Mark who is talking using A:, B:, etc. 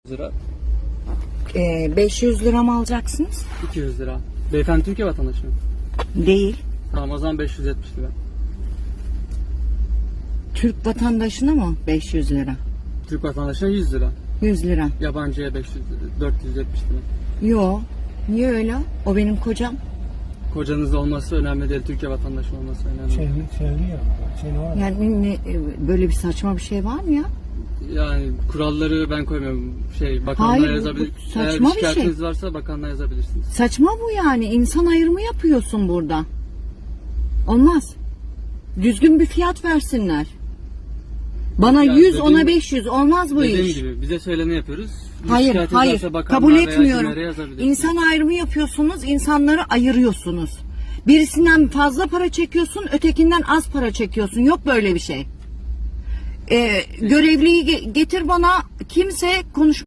A: lira.
B: 500 lira mı alacaksınız?
A: 200 lira. Beyefendi Türkiye vatandaşı mı?
B: Değil.
A: Tamam, o zaman 570 lira.
B: Türk vatandaşına mı 500 lira?
A: Türk vatandaşına 100 lira.
B: 100 lira.
A: Yabancıya 500 lira, 470 lira.
B: Yo. Niye öyle? O benim kocam.
A: Kocanız olması önemli değil, Türkiye vatandaşı olması önemli.
C: Çeviri ya.
B: Yani böyle bir saçma bir şey var mı ya?
A: Yani kuralları ben koymuyorum. Bakanlığa
B: Hayır, bu
A: yazabilirsiniz.
B: saçma
A: Eğer
B: bir
A: şikayetiniz
B: şey.
A: varsa bakanlığa yazabilirsiniz.
B: Saçma bu yani. İnsan ayrımı yapıyorsun burada. Olmaz. Düzgün bir fiyat versinler. Bana
A: Ya
B: 100 ona
A: dediğim-
B: 500 olmaz bu
A: Dediğim
B: iş.
A: gibi bize söyleni yapıyoruz.
B: Hayır,
A: Şikayetiniz
B: hayır.
A: varsa bakanlığa
B: Kabul
A: veya
B: etmiyorum.
A: CİMER'e yazabilirsiniz.
B: İnsan ayrımı yapıyorsunuz, insanları ayırıyorsunuz. Birisinden fazla para çekiyorsun, ötekinden az para çekiyorsun. Yok böyle bir şey. Görevliyi getir bana, kimse konuş.